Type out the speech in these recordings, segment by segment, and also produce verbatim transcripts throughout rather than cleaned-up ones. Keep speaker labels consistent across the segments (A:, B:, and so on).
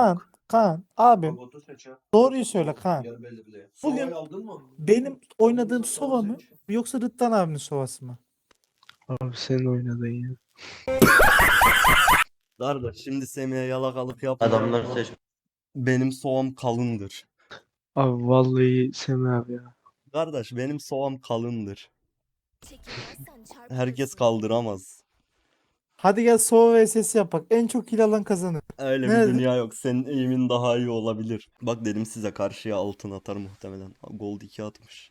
A: Kaan, Kaan abim
B: Robotu seç ya.
A: doğruyu söyle Kaan.
B: Yer belli bile.
A: Bugün
B: Sovayı aldın mı?
A: benim oynadığım Sova mı yoksa Rıdvan abinin Sova'sı mı?
C: Abi sen oynadın ya.
D: Kardeş şimdi Semih'e yalakalık yapma.
E: Adamlar seç.
D: Benim soğam kalındır.
C: Abi vallahi Semih abi ya.
D: Kardeş benim soğam kalındır.
F: Çekilmezsen çarpılırsın.
D: Herkes kaldıramaz.
A: Hadi gel Sova vs yapak. En çok kill alan kazanır.
D: Öyle
A: Nerede?
D: bir dünya yok. Senin eğimin daha iyi olabilir. Bak dedim size karşıya altın atar muhtemelen. Gold iki atmış.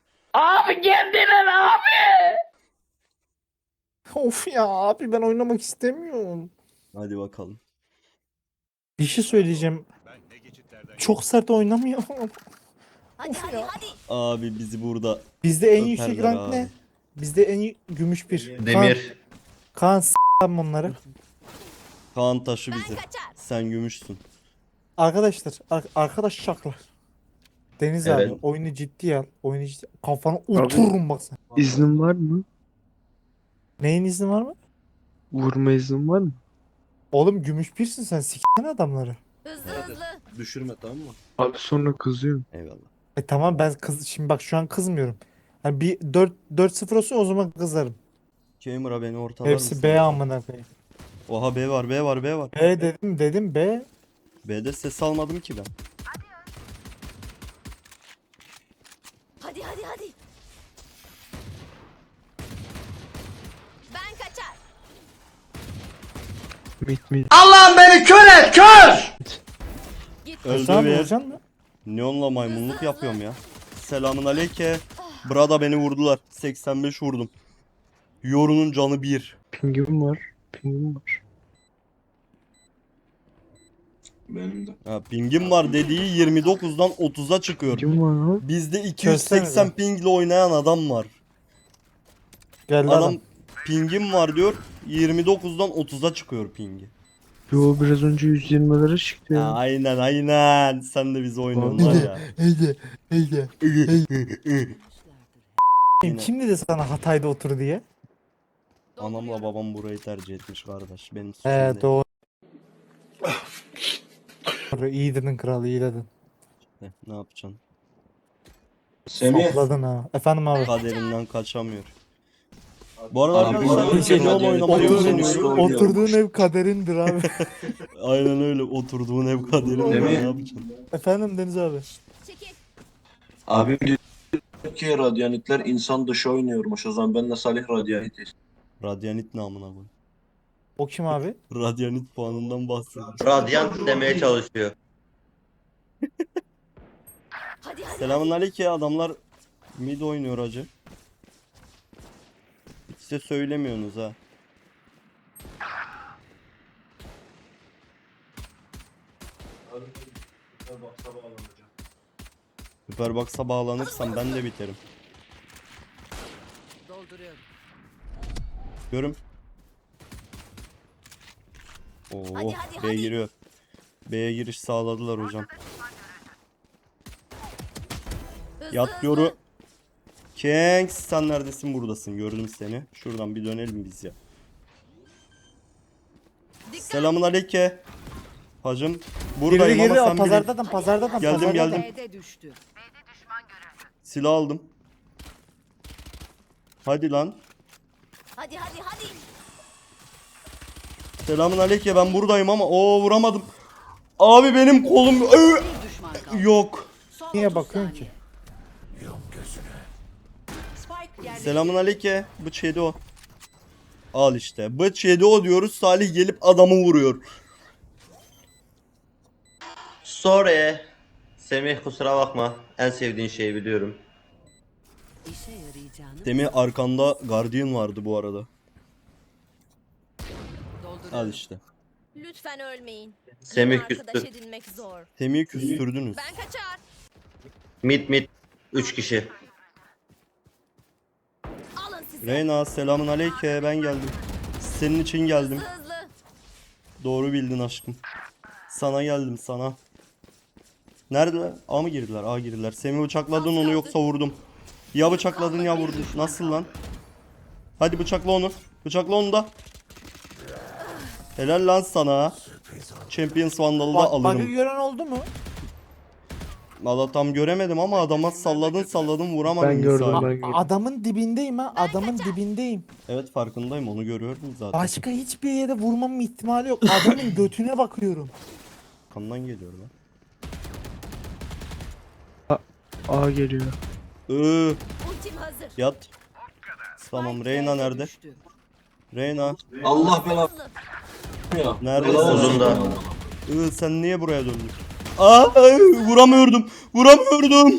A: Of ya abi ben oynamak istemiyorum.
D: Hadi bakalım.
A: Bir şey söyleyeceğim. Çok sert oynamıyorum.
F: Hadi hadi hadi.
D: Abi bizi burada
A: Bizde en yüksek
D: öperler
A: rank
D: abi.
A: ne? Bizde en y- gümüş bir. Kaan,
E: Demir.
A: Kaan s***am onları.
D: Kaan taşı
F: Ben
D: bizi.
F: kaçar.
D: Sen gümüşsün.
A: Arkadaşlar, ar- arkadaş şaklar. Deniz
E: Evet.
A: abi oyunu ciddiye al. Oyunu ciddi Kafana otururum bak sen.
C: İznin var mı?
A: Neyin izni var mı?
C: Vurma iznin var mı?
A: Oğlum gümüş birsin sen s***sen adamları.
F: Hızlı hızlı.
B: Düşürme tamam mı?
C: Abi sonra kızıyorum.
D: Eyvallah.
A: E tamam ben kız şimdi bak şu an kızmıyorum. Hani bir dört dört sıfır olsun o zaman kızarım.
D: Gamer'a beni ortalar
A: Hepsi
D: mısın?
A: B amına koyayım.
D: Oha B var B var B var.
A: B dedim dedim B.
D: B'de ses almadım ki ben.
F: Hadi hadi hadi. Ben kaçar.
C: Mit mit.
D: Öldü
A: Sen
D: bir.
A: vuracaksın mı?
D: Neonla maymunluk yapıyorum ya. Selamun aleyke. Brada beni vurdular. seksen beş vurdum. Yorunun canı bir.
C: Pingim var. Pingim var.
B: Benim de.
D: Ha, pingim var dediği yirmi dokuzdan otuza çıkıyor.
C: Pingim var abi.
D: Bizde iki yüz seksen
A: Çözsene
D: pingle oynayan adam var.
A: Geldi
D: Adam
A: adam.
D: pingim var diyor. yirmi dokuzdan otuza çıkıyor pingi.
C: Yo biraz önce yüz yirmilere çıktı
D: Ha,
C: ya.
D: aynen aynen. Sen de bizi oynuyorsun var ya.
A: Heyde heyde.
D: Yine.
A: Kim dedi sana Hatay'da otur diye?
D: Anamla babam burayı tercih etmiş kardeş. Benim suçum
A: He
D: değil.
A: doğru. Doğru, iyi dedin kral iyi dedin.
D: Heh, ne yapacaksın?
B: Semih.
A: Sapladın ha. Efendim abi.
D: Kaderinden kaçamıyor. Bu arada
B: Abi,
D: arkadaşlar
B: bu arada
D: şey
B: radyo-
D: oynamayı
B: Oturduğun-
D: öğreniyorum.
A: Oturduğun ev kaderindir abi.
D: Aynen öyle. Oturduğun ev kaderin
B: Değil
D: ne
B: mi?
D: yapacaksın?
A: Efendim Deniz abi.
F: Çekil.
B: Abim diyor ki radyanitler insan dışı oynuyormuş. O zaman ben de Salih radyanitiz.
D: Radyanit namına koy.
A: O kim abi?
D: Radyanit puanından bahsediyor.
E: Radyant demeye çalışıyor.
F: Hadi hadi.
D: Selamun aleyküm adamlar mid oynuyor acı. Hiç size söylemiyorsunuz ha. Superbox'a bağlanırsam ben de biterim.
F: Dolduruyorum.
D: Görüm. Oo,
F: Hadi, hadi,
D: B
F: hadi.
D: giriyor. B'ye giriş sağladılar hocam.
F: Hızlı
D: Yat
F: hızlı.
D: yoru. Kengs sen neredesin? Buradasın. Gördüm seni. Şuradan bir dönelim biz ya.
F: Dikkat.
D: Selamun aleyküm. Hacım.
A: Geri
D: Buradayım
A: geri
D: ama sen bilin.
A: pazardadan pazardadan
D: Geldim,
A: pazardadan.
D: geldim.
F: B'de düştü.
D: Silah aldım. Hadi lan.
F: Hadi hadi hadi.
D: Selamun aleyküm ben buradayım ama o vuramadım. Abi benim kolum Ö!
F: Bir düşman kaldı.
D: yok.
F: Son
A: Niye
F: otuz
A: bakıyorsun
F: saniye.
A: ki?
F: Spike yerleşti.
D: Selamun aleyküm. Bıç yedi o. Al işte. Bıç yedi o diyoruz. Salih gelip adamı vuruyor.
E: Sorry. Semih kusura bakma. En sevdiğin şeyi biliyorum.
F: İşe yarayacağını
D: Semih arkanda Guardian vardı bu arada.
F: dolduruyorum.
D: Al işte.
F: Lütfen ölmeyin.
E: Semih
F: Yeni arkadaş
E: küstü.
F: edinmek zor.
D: Semih'i küstürdünüz.
F: Ben kaçar.
E: Mit mit. Üç kişi.
F: Alın size.
D: Reyna selamun aleyküm ben geldim. Senin için geldim.
F: Hızlı hızlı.
D: Doğru bildin aşkım. Sana geldim sana. Neredeler? A mı girdiler? A girdiler. Semih bıçakladın onu yoksa vurdum. Ya bıçakladın ya vurdun. Nasıl lan? Hadi bıçakla onu. Bıçakla onu da. Helal lan sana. Champions Vandal'ı da
A: Bak, bug'ı
D: alırım.
A: gören oldu mu?
D: Valla tam göremedim ama adama salladın salladın vuramadın.
C: Ben gördüm,
D: misal.
C: ben gördüm.
A: Adamın dibindeyim ha. Adamın dibindeyim.
D: Evet farkındayım, onu görüyorum zaten.
A: Başka hiçbir yere vurmamın ihtimali yok. Adamın götüne bakıyorum.
D: Kandan geliyor lan.
C: A geliyor.
D: Iıı,
F: Ultim hazır.
D: yat. Tamam,
F: Spike
D: Reyna
F: B'de
D: nerede?
F: düştü.
D: Reyna.
B: Allah belanı ya.
D: Neredesin?
B: Helal olsun.
E: Uzunda.
D: Iı, sen niye buraya döndün? Aa, ay, vuramıyordum. Vuramıyordum.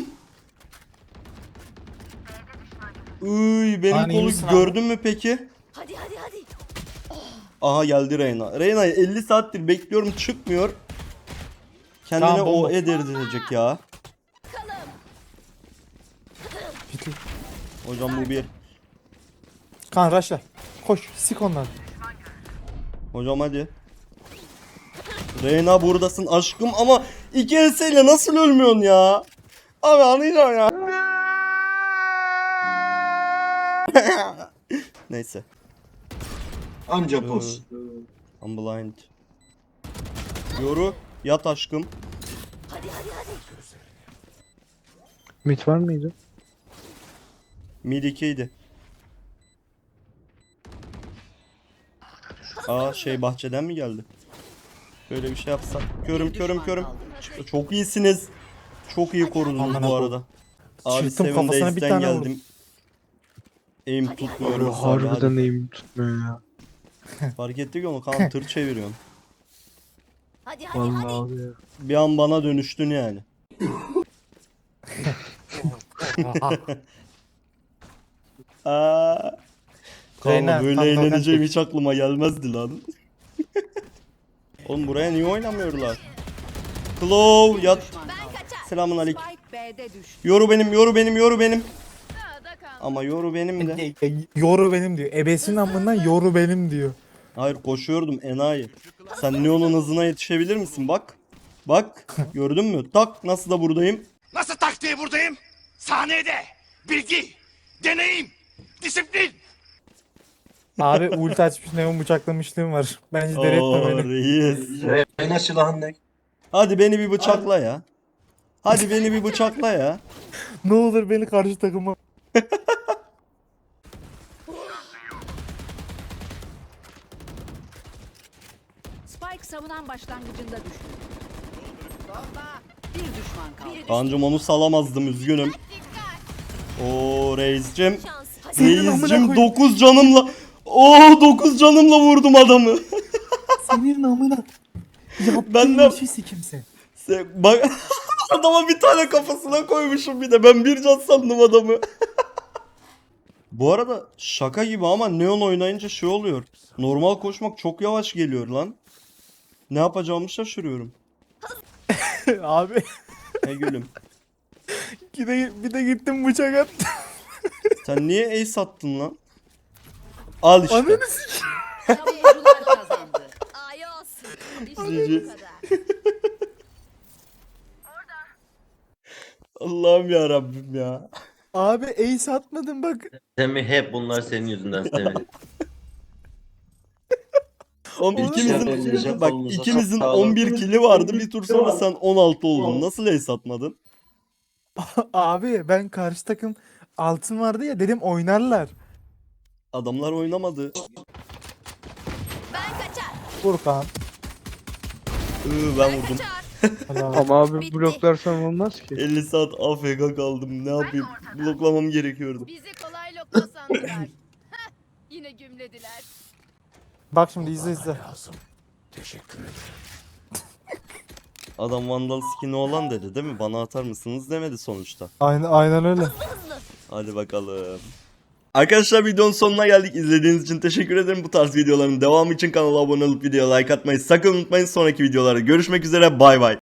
D: Iy, benim
A: Lan iyi
D: kolu
A: misin abi?
D: gördün mü peki?
F: Hadi hadi hadi.
D: Aha geldi Reyna. Reyna'yı elli saattir bekliyorum, çıkmıyor. Kendine
A: Tamam,
D: o
A: bomba.
D: edirtecek ya.
F: Bakalım.
D: Hocam bu bir.
A: Kan raşla. Koş. Sik onları.
D: Hocam hadi. Reyna buradasın aşkım ama iki enseyle nasıl ölmüyorsun ya? Abi anlayacağım ya. Neyse.
B: Anca pos.
D: I'm blind. Yoru yat aşkım.
F: Hadi hadi hadi.
C: Mid var mıydı?
D: Mid ikiydi. Aa şey bahçeden mi geldi? Böyle bir şey yapsak. Körüm körüm körüm. Çok iyisiniz. Çok iyi korudunuz
A: Aman
D: bu
A: Allah'ım.
D: arada. Abi
A: Çırptım,
D: Seven
A: kafasına bir
D: Days'ten
A: tane
D: geldim.
A: vurdum.
D: Aim tutmuyorum.
C: Abi
D: abi,
C: harbiden
D: hadi.
C: neyim tutmuyor ya.
D: Fark ettik onu, kan tır çeviriyorsun.
F: Hadi hadi
C: Vallahi
F: hadi.
C: abi ya.
D: Bir an bana dönüştün yani. Aa.
A: Reyna,
D: Kanka böyle
A: tam kalkan
D: eğleneceğim
A: çek.
D: hiç aklıma gelmezdi lan. Oğlum buraya niye oynamıyorlar? Claw yat.
F: Ben kaçar.
D: Selamun aleyküm.
F: Spike B'de düştü.
D: Yoru benim, yoru benim, yoru benim. Ama yoru benim de.
A: E, e, Yoru benim diyor. Ebesinin amından yoru benim diyor.
D: Hayır koşuyordum enayi. Sen Neon'un hızına yetişebilir misin? Bak. Bak. Gördün mü? Tak nasıl da buradayım.
G: Nasıl taktiği buradayım? Sahnede. Bilgi, deneyim, disiplin.
A: Abi ulti açmış neon bıçaklamışlığım var. Bence deli etme
D: Oo
A: beni.
D: reis.
B: Reyna silahın ne?
D: Hadi beni bir bıçakla ya. Hadi beni bir bıçakla ya.
A: Ne olur beni karşı takıma.
F: Spike savunan başlangıcında düştü. Bir düşman kaldı.
D: Kancım onu salamazdım, üzgünüm. Oo reiscim.
F: Şans. Hadi.
A: Senin amına
D: Reiscim
A: koyayım.
D: dokuz canımla. Oo dokuz canımla vurdum adamı.
A: Senin amına. Yaptığın
D: Ben de-
A: işi sikimsin.
D: Sen- Bak adama bir tane kafasına koymuşum bir de. Ben bir can sandım adamı. Bu arada şaka gibi ama Neon oynayınca şey oluyor. Normal koşmak çok yavaş geliyor lan. Ne yapacağımı şaşırıyorum.
A: Abi
D: Ne gülüm.
A: bir de, bir de gittim bıçak attım.
D: Sen niye ace attın lan? Al işte.
A: Ananı sik.
F: Savunucular kazandı. Ay olsun. İşte
D: Cici.
F: bu kadar.
D: Allah'ım ya Rabbim ya.
A: Abi ace atmadım bak.
E: Semih hep bunlar senin yüzünden Semih.
D: Oğlum
A: Oğlum,
D: ikimizin
B: elinize
D: bak
B: kolunuza
D: ikimizin
B: sağlık.
D: on bir kili vardı. Bir tur sonra sen on altı oldun. Nasıl ace atmadın?
A: Abi ben karşı takım altın vardı ya dedim oynarlar.
D: Adamlar oynamadı.
F: Ben kaçar.
A: Furkan.
D: Iı, ben vurdum.
A: Helal.
C: Ama abi
F: Bitti.
C: bloklarsan olmaz ki.
D: elli saat A F K kaldım. Ne yapayım? Bloklamam gerekiyordu.
H: Bizi kolay lokma sandılar. Heh, yine gümlediler.
A: Bak şimdi izle izle.
D: Adam Vandal skin'i olan dedi değil mi? Bana atar mısınız demedi sonuçta.
A: Aynen, aynen öyle.
D: Hadi bakalım. Arkadaşlar videonun sonuna geldik. İzlediğiniz için teşekkür ederim. Bu tarz videoların devamı için kanala abone olup videoya like atmayı sakın unutmayın. Sonraki videolarda görüşmek üzere. Bay bay.